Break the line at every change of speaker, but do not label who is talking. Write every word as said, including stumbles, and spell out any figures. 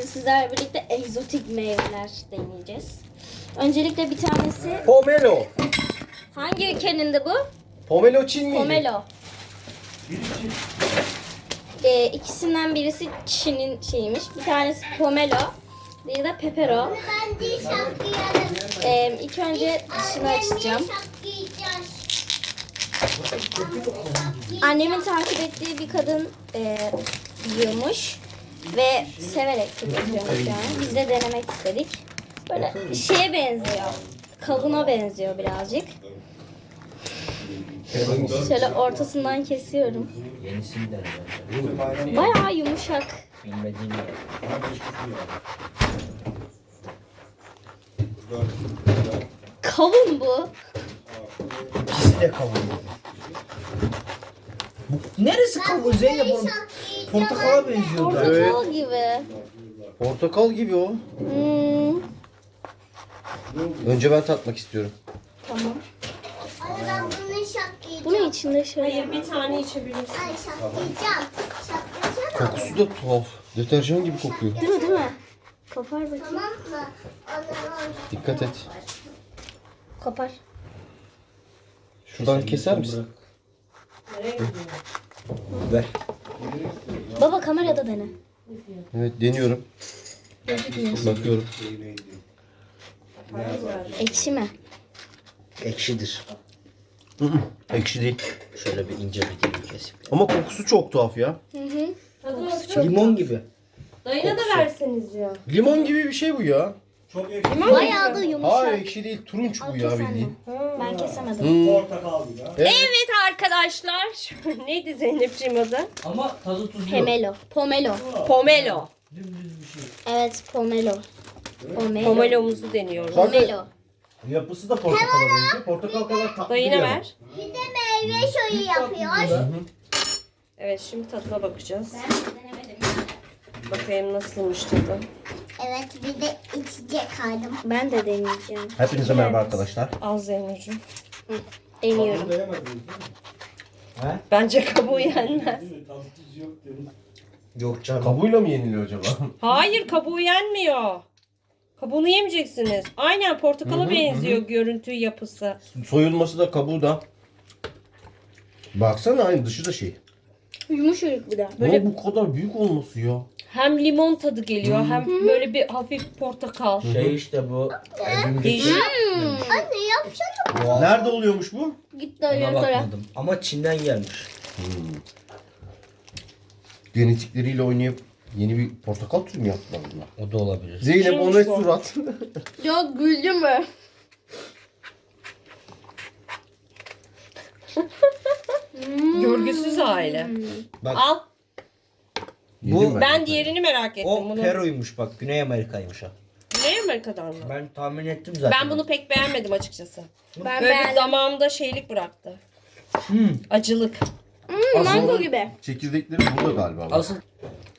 sizlerle birlikte egzotik meyveler deneyeceğiz. Öncelikle bir tanesi...
Pomelo.
Hangi ülkenin de bu?
Pomelo Çin miydi?
Pomelo. Ee, ikisinden birisi Çin'in şeyiymiş. Bir tanesi Pomelo. Diğeri de Pepero.
Ben de şapkayalım.
Ee, ilk önce dışını açacağım. Annemin takip ettiği bir kadın e, yiyormuş. Ve severek tüketiyormuş yani. Biz de denemek istedik. Böyle şeye benziyor. Kavuna benziyor birazcık. Şöyle ortasından kesiyorum.
Yenisinden
Bayağı yumuşak.
bilmediğim yer.
Kavun bu.
Fasulye kavuğu. Bu neresi kavuğu Zeynep? Oğlum? Portakala benziyor da.
Portakal gibi.
Portakal gibi o.
Hmm,
Önce ben tatmak istiyorum.
tamam.
Anne ben bunu şapkayacağım.
Bunun içinde şöyle...
Bir tane içebilirsin.
Ay şapkayacağım. Şapkayacağım.
Kokusu da tuhaf. Deterjan gibi kokuyor.
Değil mi değil mi? Kopar bakayım.
Tamam mı? Anne
Dikkat et.
Kopar.
Şuradan keser misin?
Ver.
Baba kamerada dene.
Evet deniyorum. Bakıyorum.
Ekşi mi?
Ekşidir.
Hı hı, ekşi değil.
Şöyle bir ince bir dilim kesip.
Ama kokusu çok tuhaf ya.
Hı hı.
Limon gibi.
Dayına da verseniz ya.
Limon gibi bir şey bu ya.
Bayağı da yumuşak.
Hayır ekşi değil. Turunç bu ya bildiğin.
Ben kesemedim.
Hmm. Evet.
Evet arkadaşlar. Neydi Zeynep'ciğim adı?
Ama tadı tuzlu.
Pomelo. Pomelo.
Pomelo.
Evet pomelo. Pomelo.
Pomelomuzu deniyoruz.
Pomelo.
Yapısı da portakala benziyor. Portakal kadar tatlı
Dayına
değil
ver.
bir de meyve şoyu yapıyor.
Evet şimdi tadına bakacağız. Bakayım nasılmış tadı.
Evet bir de içecek aldım.
Ben de deneyeceğim.
Hepinize merhaba arkadaşlar.
Al Zeynep'ciğim.
Deniyorum.
Bence kabuğu yenmez.
Yok canım.
Kabuğuyla mı yeniliyor acaba?
Hayır kabuğu yenmiyor. Kabuğunu yemeyeceksiniz. Aynen portakala benziyor görüntü yapısı.
Soyulması da kabuğu da. Baksana aynı dışı da şey.
Yumuşacık bir de.
Böyle bu kadar büyük olması ya.
Hem limon tadı geliyor hem böyle bir hafif portakal.
Şey işte bu. Evimdeki.
Değişik.
Anne yapsana.
Nerede oluyormuş bu?
Git
Ona
dayılara.
bakmadım. Ama Çin'den gelmiş.
Genetikleriyle oynayıp yeni bir portakal türü mü yaptılar bunlar?
O da olabilir.
Zeynep o ne
Şeymiş bu.
surat?
Yok güldüm mü?
Görgüsüz aile.
Bak
Al.
Yedim
Bu-
Ben diğerini merak ettim.
o
Bunu.
Peru'ymuş bak. Güney Amerika'ymış ha.
Güney Amerika'dan mı?
Ben tahmin ettim zaten.
Ben bunu pek beğenmedim açıkçası.
Ben
Böyle bir
beğendim.
damağımda şeylik bıraktı.
Hmm.
Acılık.
Hmm, mango gibi.
Çekirdekleri burada galiba. Bak.
Asıl